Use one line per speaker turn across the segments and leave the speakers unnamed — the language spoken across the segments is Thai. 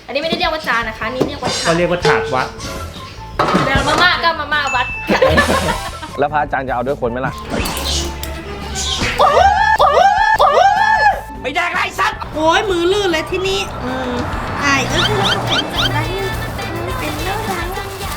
อันนี้ไม่ได้เรียกว่าจานนะคะนี่เรียกว่าถา
ก็
ด
เรียกว่าถาดวัด
แล้วมาม่าก็มาม่าวัด
แล้วพระอาจารย์จะเอาด้วยคนไหมล่ะ
ไม่ได้ไรสัตว์
โอ้ยมือลื่นเลยที่นี่อายก็คือเราเป็นอะไรเป็นเรื่องราว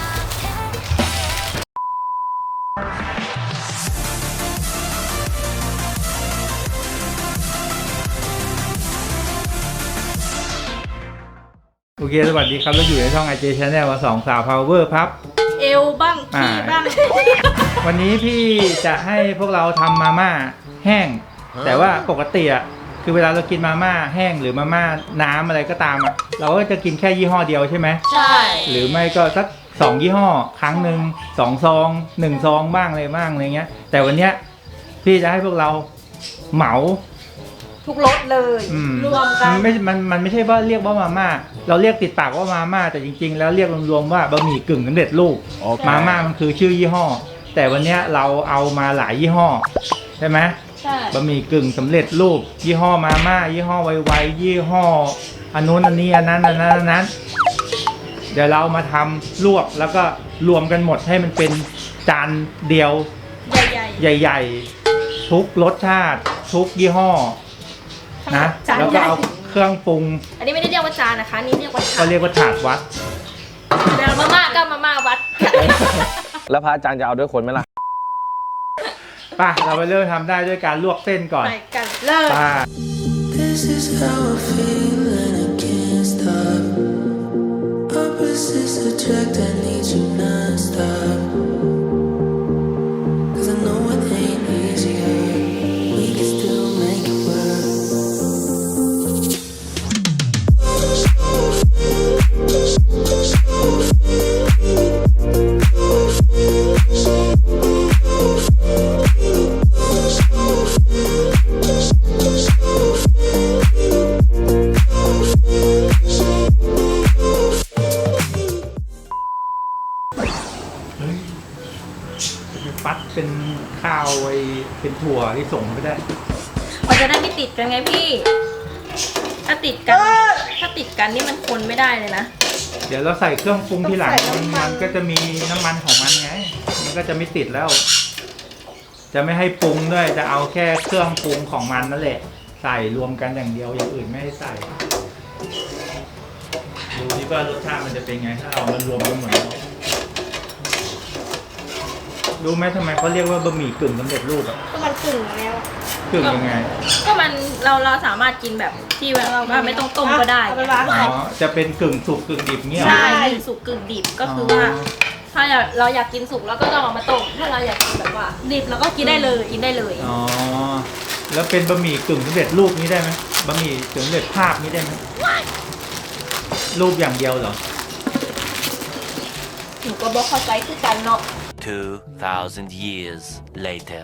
โอเคสวัสดีครับเราอยู่ในช่อง IJ Channel มา2สาว Power ครับ
เอวบ้างขี้บ้าง
วันนี้พี่จะให้พวกเราทำมาม่าแห้ง แต่ว่าปกติอ่ะคือเวลาเรากินมาม่าแห้งหรือมาม่าน้ำอะไรก็ตามอ่ะเราก็จะกินแค่ยี่ห้อเดียวใช่ไหม
ใช่
หรือไม่ก็สัก2ยี่ห้อครั้งหนึ่ง2ซอง1ซองบ้างอะไรบ้างอะไรเงี้ยแต่วันเนี้ยพี่จะให้พวกเราเหมา
ทุกรสเลย รวมกัน
มันไม่ใช่ว่าเรียกว่ามาม่าเราเรียกติดปากว่ามาม่าแต่จริงๆแล้วเรียกรวมๆว่าบะหมี่กึ่งสำเร็จรูป
โอเค
มาม่ามันคือชื่อยี่ห้อ แต่วันเนี้ยเราเอามาหลายยี่ห้อใช่ไหม
ใช่
บะหมี่กึ่งสำเร็จรูป ยี่ห้อมาม่ายี่ห้อไวๆยี่ห้ออันนู้นอันนี้อันนั้นเดี๋ยวเรามาทำลวกแล้วก็รวมกันหมดให้มันเป็นจานเดียว
ใหญ่
ใหญ่ๆทุกรสชาติทุกยี่ห้อนะ
จาน
แล้ว
ให
ก็
ญ่
เอาเครื่องปรุง
อันนี้ไม่ได้เรียกว่าจานนะคะนี่เรียกว่าถา
ก็
ด
เรียกว่าถาดวัด
แล้วมาม่าก็มาม่าวัด
แล้วพระอาจารย์จะเอาด้วยคนไหมล่ะ
ป่ะเราไปเริ่มทำได้ด้วยการลวกเส้นก่อน
ไปกันเลย
ป่ะ
This is how I feel and I can't stop. Opposites attract, I need you non-stop. 'Cause I know it ain't easier. We can still make it work.
ปัดเป็นข้าวไอ้เป็นถั่วที่ส่งไปได้
มันจะได้ไม่ติดกันไงพี่ ถ้าติดกันนี่มันคนไม่ได้เลยนะ
เดี๋ยวเราใส่เครื่องปรุงทีหลังมันก็จะมีน้ำมันของมันไง มันก็จะไม่ติดแล้ว จะไม่ให้ปรุงด้วยจะเอาแค่เครื่องปรุงของมันนั่นแหละ ใส่รวมกันอย่างเดียวอย่างอื่นไม่ให้ใส่ดูดิว่ารสชาติมันจะเป็นไงถ้าเอามันรวมกันหมดแล้วรู้ไหมทำไมเขาเรียกว่าบะหมี่กึ่งสำเร็จรูปอะ
ก็มันกึ่งแล้ว
กึ่งยังไง
ก็มันเราสามารถกินแบบที่ว่าไม่ต้องต้มก็ได้
เอาไปวาง
อ๋อจะเป็นกึ่งสุกกึ่งดิบเงี้ยเหรอ
ใช่กึ่งสุกกึ่งดิบก็คือว่า ถ้าเราอยากกินสุกเราก็ต้องเอามาต้มถ้าเราอยากกินแบบว่า
ดิบแล้วก็กินได้เลย
กินได้เลย
อ๋อแล้วเป็นบะหมี่กึ่งสำเร็จรูปนี้ได้ไหมบะหมี่กึ่งสำเร็จภาพนี้ได้ไหมรูปอย่างเดียวเหรอ
หนูก็บอกเข้าใจคือกันเนาะ
2,000 years later.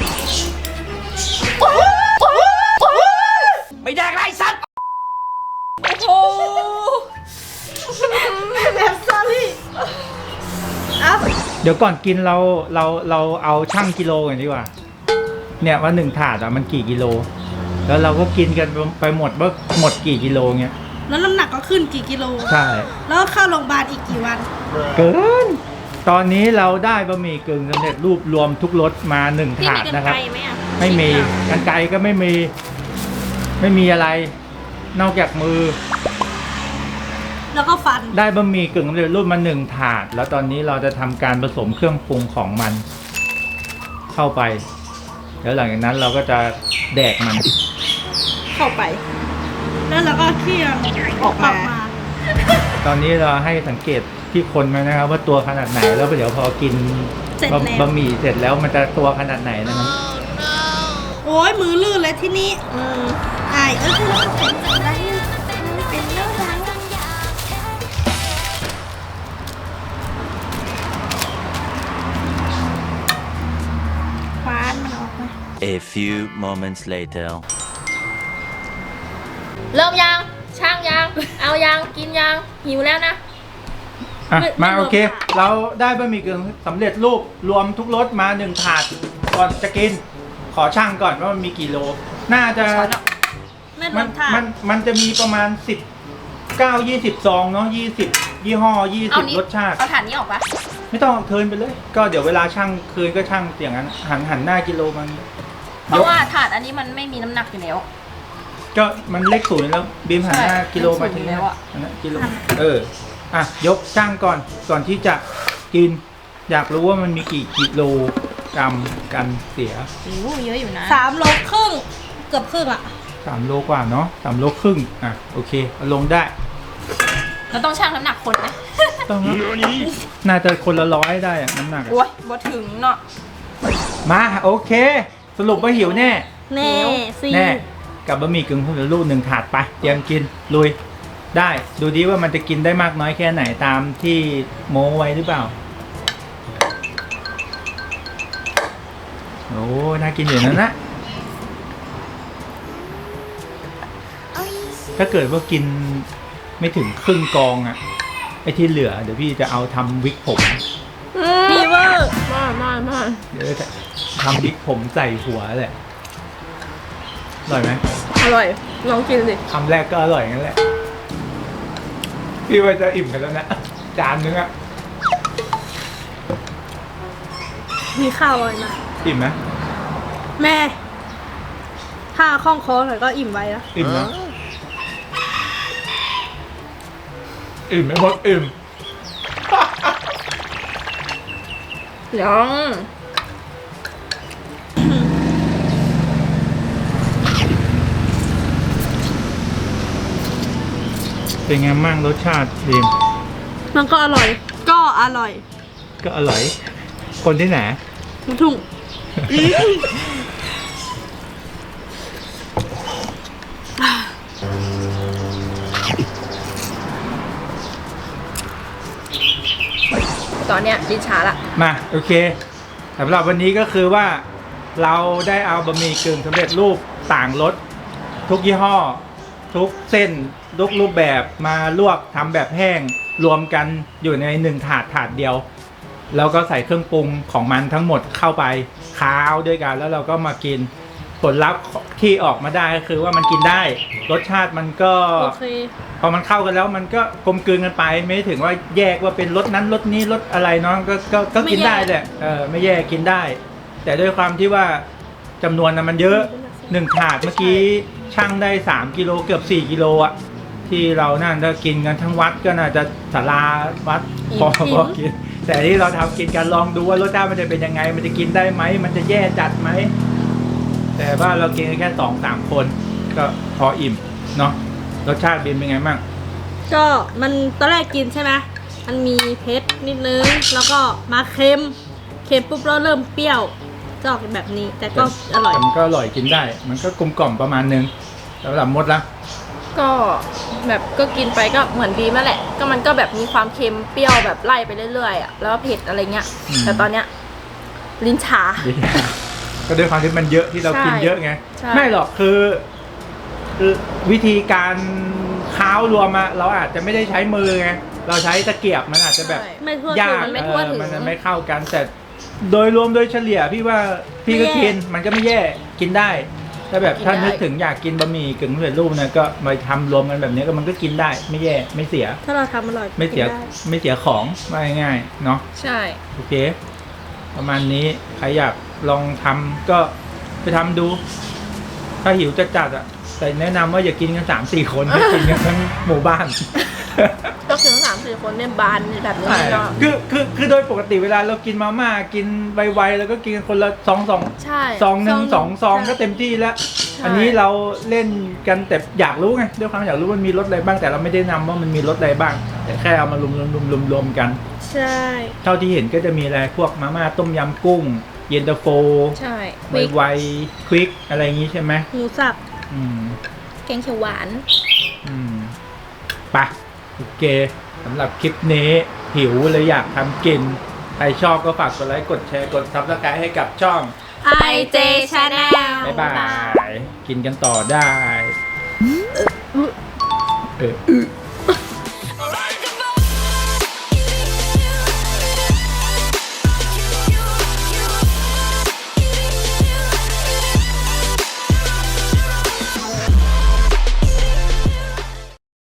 ไม่ได้ไรสัตว์โอ้โห
แบบซอรี่อัพ
เดี๋ยวก่อนกินเราเอาชั่งกิโลกันดีกว่า เนี่ยว่าหนึ่งถาดอะมันกี่กิโล แล้วเราก็กินกันไปหมดว่าหมดกี่กิโลเงี้ย
แล้วน้ำหนักก็ขึ้นกี่กิโล
ใช่
แล้วเข้าโรงพยาบาลอีกกี่วัน
เกิน ตอนนี้เราได้บะหมี่กึ่งสำเร็จรูปรวมทุกรสมาหนึ่ง
พี่
ถา
มี
ด
กัน
นะครับ
ไกลไหมอ่ะ
ไม่มีกรรไกรก็ไม่มีอะไร นอกจากมือ
แล้วก็ฟัน
ได้บะหมี่กึ่งสำเร็จรูปมาหนึ่งถาด แล้วตอนนี้เราจะทำการผสมเครื่องปรุงของมัน เข้าไป แล้วหลังจากนั้นเราก็จะแดกมัน
เข้าไป แล้วเราก็เคี่ยวออกมา
ตอนนี้เราให้สังเกตที่คนไหมนะครับ ว่าตัวขนาดไหนแล้วเดี๋ยวพอกิน
เสร็จแล้ว
บะหมี่เสร็จแล้วมันจะตัวขนาดไหนนะครับ
โอ้ยมือลื่นเลยที่นี่อายก็คือเราเป็นอะไรเป็นเรื่องราวคว้านมันออกมา
A few moments later.
เริ่มยังช่างยังเอายังกินยังหิวแล้วนะ
อ่ะ
ไม่
มา
ไม่รวม
โอเค
ถาด
เราได้บะหมี่กึ่งสำเร็จรูปรวมทุกรสมาหนึ่งถาดก่อนจะกิน ขอช่างก่อนว่ามันมีกี่โล น่าจะ
ไม่รวมถาด
มันจะมีประมาณ 19-20 ซองเนาะ20 ยี่ห้อ
เอานี้
20 รสชาติ
เอาถ่านนี้ออกปะ
ไม่ต้องเทิร์นไปเลย ก็เดี๋ยวเวลาช่างคืนก็ช่างอย่างนั้นหันหน้ากิโลมัน
เพราะว่าถาดอันนี้มันไม่มีน้ำหนักอยู่แล้ว
ก็มันเลขศูนย์แล้วบีมหันหน้า
ใช่
กิโลมาถึง
เลขศูนย์แล้วอะ
อันนั้นกิโลอ่ะยกช่างก่อนที่จะกิน อยากรู้ว่ามันมีกี่กิโลกรัมกันเสีย
โอ้เยอะอยู่นะ
3 โลครึ่งเกือบครึ่งอ่ะ
3 โลกว่าเนาะ3 โลครึ่งอ่ะโอเคเอาลงได้
เราต้องชั่งน้ำหนักคนไหม
ต้องน่าจะคนละ100ได้อะน้ำหนักอะ
โอ้ยบ่ถึงเนาะ
มาโอเค สรุปว่าหิวแน่
แน่สิ
แน่กับบะหมี่กึ่งสำเร็จรูป1 ถาดไปเตรียมกินลุยได้ดูดิว่ามันจะกินได้มากน้อยแค่ไหนตามที่โม้ไว้หรือเปล่าโอ้น่ากินอยู่นั่นนะถ้าเกิดว่ากินไม่ถึงครึ่งกองอะไอ้ที่เหลือเดี๋ยวพี่จะเอาทำวิกผม
ฟีเวอร์
มา
เดี๋ยวจะทำวิกผมใส่หัวแหละอร่อยไหม
อร่อยลองกินสิ
คำแรกก็อร่อยงั้นแหละพี่ว่าจะอิ่มกันแล้วนะจานนึงอะ
มีข้าวเลยนะ
อิ่มไหม
แม่ ถ้าคล่องคอหน่อยก็อิ่มไว้แล้ว
อิ่มนะอิ่มไหมบอกอิ่ม
ยัง
เป็นไงมั่งรสชาติดีม
มันก็อร่อย ก็อร่อย
ก็อร่อย คนที่ไหน
ลูกทุ่ง
ตอนเนี้ยลิ้นชาละ
มาโอเคสำหรับวันนี้ก็คือว่าเราได้เอาบะหมี่กึ่งสำเร็จรูปต่างรสทุกยี่ห้อ ทุกเส้นทุกรูปแบบมาลวกทำแบบแห้งรวมกันอยู่ใน1 ถาดเดียว แล้วก็ใส่เครื่องปรุงของมันทั้งหมดเข้าไปค้าวด้วยกันแล้วเราก็มากินผลลัพธ์ที่ออกมาได้ก็คือว่ามันกินได้รสชาติมันก็
โอเค
พอมันเข้ากันแล้วมันก็กลมกลืนกันไปไม่ถึงว่าแยกว่าเป็นรสนั้นรสนี้รสอะไรเนาะก็กินได้แหละไม่แยกกินได้ แต่ด้วยความที่ว่าจำนวนมันเยอะ1 ถาดเมื่อกี้ช่างได้3 กิโลเกือบ4 กิโลอะที่เรานั่นถ้ากินกันทั้งวัดก็น่าจะศาลาวัดพอกินแต่ที่เราทำกินกันลองดูว่ารสชาติมันจะเป็นยังไง มันจะกินได้ไหมมันจะแย่จัดไหมแต่ว่าเรากินกันแค่2-3 คนก็พออิ่มเนาะรสชาติเป็นไงบ้าง
ก็มันตอนแรกกินใช่ไหมมันมีเผ็ดนิดนึง แล้วก็มาเค็มปุ๊บแล้วเริ่มเปรี้ยวจะออกแบบนี้ แต่ก็อร่อย
มันก็อร่อยกินได้ มันก็กลมกล่อมประมาณนึงสำหรับมดละ
ก็แบบก็กินไปก็เหมือนบีมนั่นแหละ ก็มันก็แบบมีความเค็มเปรี้ยวแบบไล่ไปเรื่อยๆอ่ะแล้วก็เผ็ดอะไรเงี้ย แต่ตอนเนี้ยลิ้นชา
ก็ด้วยความที่มันเยอะที่เรากินเยอะไง
ใช่
ไม่หรอกคือวิธีการค้าวรวมอะเราอาจจะไม่ได้ใช้มือไงเราใช้ตะเกียบมันอาจจะแบบ
ไม่ทั่วถึง
ยาก
มันไม่ทั่วถึง
มันไม่เข้ากันแต่โดยรวมโดยเฉลี่ยพี่ว่าพี่ก็
ไม่แย่
กินมันก็ไม่แย่กินได้ถ้าแบบถ้านึกถึงอยากกินบะหมี่กึ่งสำเร็จรูปนะก็มาทำรวมกันแบบนี้ก็มันก็กินได้ไม่แย่ไม่เสีย
ถ้าเราทำอร่อย
ไม่เสีย
กินได้
ไม่เสียของว่าง่ายๆเนาะ
ใช่
โอเค ประมาณนี้ใครอยากลองทำก็ไปทำดู ถ้าหิวจะจัดอ่ะแต่แนะนำว่าอย่ากินกัน3-4 คนให้กินกันทั้งหมู่บ้าน
ก็คือทั้ง3-4 คนเนี่ยบานแบบนี้เนาะ
คือโดยปกติเวลาเรากินมาม่ากินไวๆแล้วก็กินกันคนละ2
ใช่
ซองหนึ่ง2 ซองก็เต็มที่แล้ว อันนี้เราเล่นกันแต่อยากรู้ไงด้วยความอยากรู้มันมีรสอะไรบ้างแต่เราไม่ได้นำว่ามันมีรสอะไรบ้าง แต่แค่เอามารวมกัน
ใช่
เท่าที่เห็นก็จะมีอะไรพวกมาม่าต้มยำกุ้ง เย็นตาโฟ
ใช่
ไวๆควิกอะไรอย่างงี้ใช่ไหม
หมูสับ
อืม
แกงเขียวหวาน
ไปโอเคสำหรับคลิปนี้หิวเลยอยากทำกิน ใครชอบก็ฝากกดไลค์กดแชร์กดซับสไครต์ให้กับช่อง
IJ Channel
บ๊ายบาย กินกันต่อได้